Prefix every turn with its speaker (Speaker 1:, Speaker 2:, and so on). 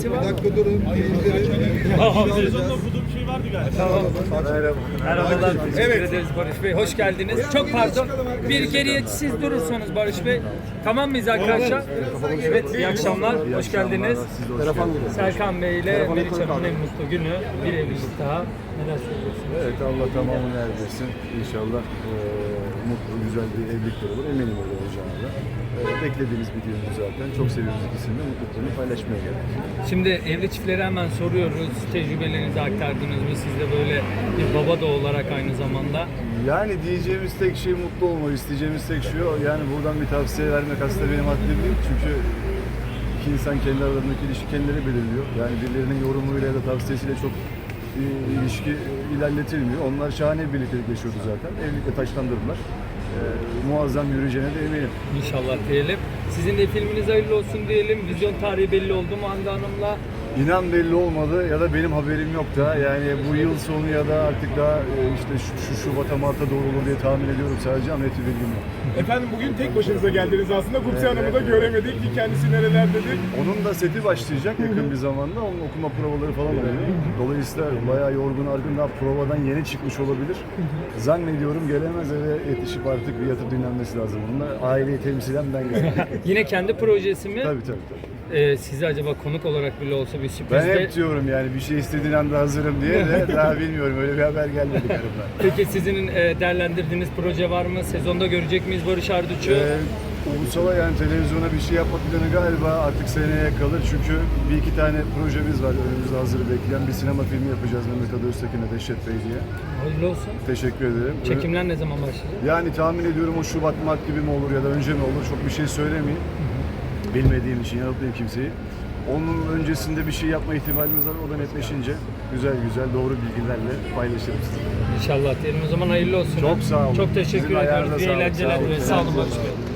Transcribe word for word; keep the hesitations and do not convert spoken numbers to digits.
Speaker 1: nesi var?
Speaker 2: Bir dakika durun.
Speaker 3: Sezonda okuduğum şey vardı galiba.
Speaker 1: Tamam.
Speaker 2: Merhaba.
Speaker 1: Merhabalar. Teşekkür
Speaker 2: Evet.
Speaker 1: ederiz Barış Bey. Hoş geldiniz. Çok pardon. Bir geriye siz durursanız Barış Bey. Tamam mıyız arkadaşlar? Evet, iyi akşamlar. Hoş geldiniz. Serkan Bey ile Meriç Hanım'ın en mutlu günü. Bir evlilik daha. Neler söylüyorsunuz?
Speaker 4: Evet, Allah tamamını erdirsin. İnşallah e, mutlu, güzel bir evlilikler olur. Eminim öyle olacağına da. E, beklediğimiz bir düğün zaten. Çok seviyoruz ikisini de. Mutluluklarını paylaşmaya geldik.
Speaker 1: Şimdi evli çiftlere hemen soruyoruz. Tecrübelerinizi aktardınız mı? Siz de böyle bir baba da olarak aynı zamanda.
Speaker 4: Yani diyeceğimiz tek şey mutlu olmak, isteyeceğimiz tek şey o. Yani buradan bir tavsiye vermek aslında benim haddim değil. Çünkü iki insan kendi aralarındaki ilişki kendileri belirliyor. Yani birilerinin yorumuyla ya da tavsiyesiyle çok bir ilişki ilerletilmiyor. Onlar şahane bir birliktelik yaşıyordu zaten. Evlilikle taşlandırdılar. Ee, muazzam yürüyeceğine de eminim.
Speaker 1: İnşallah diyelim. Sizin de filminiz hayırlı olsun diyelim. Vizyon tarihi belli oldu mu Hande Hanım'la?
Speaker 4: İnan belli olmadı ya da benim haberim yok da. Yani bu yıl sonu ya da artık daha e, işte şu, şu Şubat'a Mart'a doğru olur diye tahmin ediyorum sadece ama net bir bilgim yok.
Speaker 3: Efendim bugün tek başınıza geldiniz aslında. Gupse Hanım'ı da göremedik ki kendisi nerelerdedir.
Speaker 4: Onun da seti başlayacak yakın bir zamanda. Onun okuma provaları falan oluyor. Dolayısıyla bayağı yorgun argın daha provadan yeni çıkmış olabilir. Zannediyorum gelemez eve yetişip artık bir yatıp dinlenmesi lazım. Onunla aileyi temsilen ben geldim.
Speaker 1: Yine kendi projesi mi?
Speaker 4: Tabii tabii tabii.
Speaker 1: Ee, sizi acaba konuk olarak bile olsa bir
Speaker 4: Ben
Speaker 1: sürprizde...
Speaker 4: hep diyorum yani bir şey istediğin anda hazırım diye de daha bilmiyorum. Öyle bir haber gelmedi karımdan.
Speaker 1: Peki sizin e, değerlendirdiğiniz proje var mı? Sezonda görecek miyiz Barış Arduç'u?
Speaker 4: Ee, Ulusal'a yani televizyona bir şey yapmak planı galiba artık seneye kalır. Çünkü bir iki tane projemiz var önümüzde hazır bekleyen. Bir sinema filmi yapacağız Mehmet Ali Öztekin'e Dehşet Bey diye.
Speaker 1: Hayırlı olsun.
Speaker 4: Teşekkür ederim.
Speaker 1: Çekimler ne zaman başlayacak?
Speaker 4: Yani tahmin ediyorum o Şubat Mart gibi mi olur ya da önce mi olur çok bir şey söylemeyeyim. Bilmediğim için yanıltmayayım kimseyi. Onun öncesinde bir şey yapma ihtimalimiz var. O da netleşince güzel güzel doğru bilgilerle paylaşırım sizinle.
Speaker 1: İnşallah diyelim. O zaman hayırlı olsun.
Speaker 4: Çok sağ olun.
Speaker 1: Çok teşekkür
Speaker 4: Sizin
Speaker 1: ediyoruz.
Speaker 4: ayağınıza
Speaker 1: İyi
Speaker 4: sağlık.
Speaker 1: eğlenceler.
Speaker 4: Sağ olun.
Speaker 1: Sağ olun Barış Bey.